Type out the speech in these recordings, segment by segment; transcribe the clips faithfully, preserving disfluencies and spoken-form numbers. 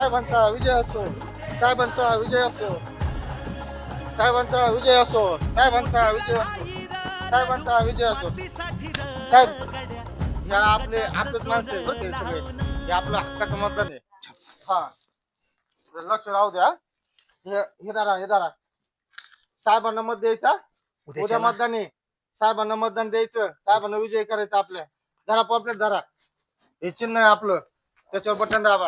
साहेबांचा विजय असो, साहेबांचा विजय असो, साहेबांचा विजय असो, साहेबांचा विजय असो, साहेबांचा विजय असो. साहेब, ह्या आपले आपलेच माणसं आहे बरं ते सगळे. हे आपलं हक्काचं मतदान आहे. हा, लक्ष राहू द्या. हे हे दारा हे दारा साहेबांना मत द्यायचा. उद्या मतदान आहे. साहेबांना मतदान द्यायचं, साहेबांना विजय करायचा आपल्या. धरा पॉपलेट धरा. हे चिन्ह आहे आपलं, त्याच्यावर बटन दाबा.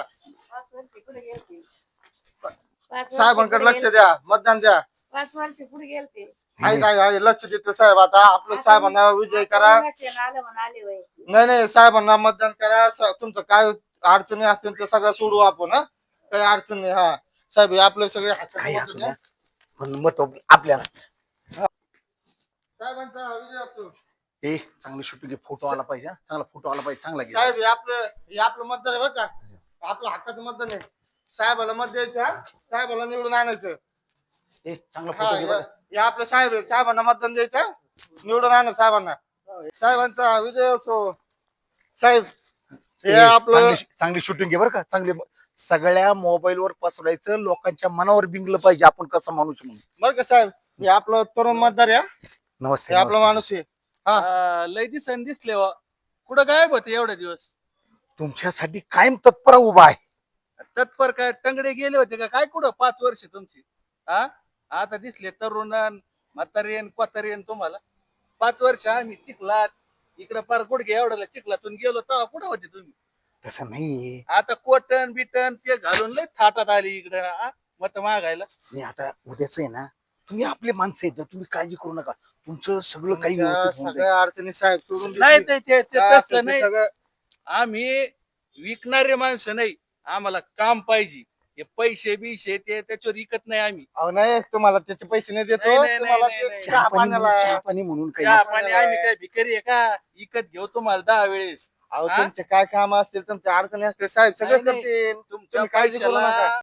साहेबांकडे लक्ष द्या, मतदान द्या. पाच वर्ष पुढे गेलते. आहे काय आहे, लक्ष देतो साहेब. आता आपलं साहेबांना विजय करा. नाही नाही, साहेबांना मतदान करा. स- तुमचं काय अडचणी असतील तर सगळं सोडू आपण. हा, काही अडचण नाही. हा साहेब, हे आपले सगळे हक्काचे काही मत असू द्या. द्या पण मत आपल्याला. साहेबांचा विजय असो. ए चांगली शूटिंग घे, फोटो आला पाहिजे हा. चांगला फोटो आला पाहिजे, चांगला घे. साहेब, हे आपलं हे आपलं मतदान आहे बरं का. आपलं हक्काचं मतदान आहे. साहेबाला मत द्यायचं, हा. साहेबाला निवडून आणायचं. ए चांगला हा, फोटो घे बरं. हे आपलं साहेब आहे. साहेबांना मतदान द्यायचं, निवडून आणा साहेबांना. साहेबांचा विजय असो. साहेब, हे ए, आपलं चांगली चांगली शूटिंग घे बरं का. चांगली सगळ्या मोबाईल वर पसरायचं, लोकांच्या मनावर बिंगलं पाहिजे आपण कसं माणूस म्हणून. बरं का साहेब, हे आपलं तरुण मतदार आहे, हा. नमस्ते हे आपला नमस्ते. माणूस आहे. हा, लय दिसन दिसले वा. कुठं गायब होते एवढे दिवस? तुमच्यासाठी कायम तत्पर उभा आहे. तत्पर काय टंगडे गेले होते का काय कुठं पाच वर्ष तुमची? हा, आता दिसले तरुण म्हातारेन कोतारेन तुम्हाला. पाच वर्ष आम्ही चिखलात इकडं पार गुडघे एवढ्याला चिखलातून गेलो तेव्हा कुठं होते तुम्ही? तसं नाही. आता कोटन बिटन ते घालून लय थाटात आली इकडं मत मागायला. मी आता उद्याच आहे ना, तुम्ही आपले माणसं आहेत ना, तुम्ही काळजी करू नका. तुमचं सगळं काही तुमच्या व्यवस्थित होऊन जाईल. सगळ्या अडचणी साहेब सोडून नाही देतील. ते ते- ते काय असेल तसलं ते नाही. सगळं आम्ही विकणारे माणसं नाही, आम्हाला काम पाहिजे. हे पैसे बिशे ते त्याच्यावर विकत नाही आम्ही. अहो नाही, तुम्हाला त्याचे पैसे नाही देतो. नाही, नाही, तुम्हाला नाही, ते नाही. चहा पाण्याला. चहा पाणी म्हणून काही चहा नको. पाणी आम्ही काय भिकारी आहे का? विकत घेऊ तुम्हाला दहा वेळेस. अहो, हा? तुमचे काय काम असतील, तुमच्या अडचणी असतील, साहेब सगळं नाही, नाही. करतील. तुमच्या तुम्ही काळजी करू पैशाला नका.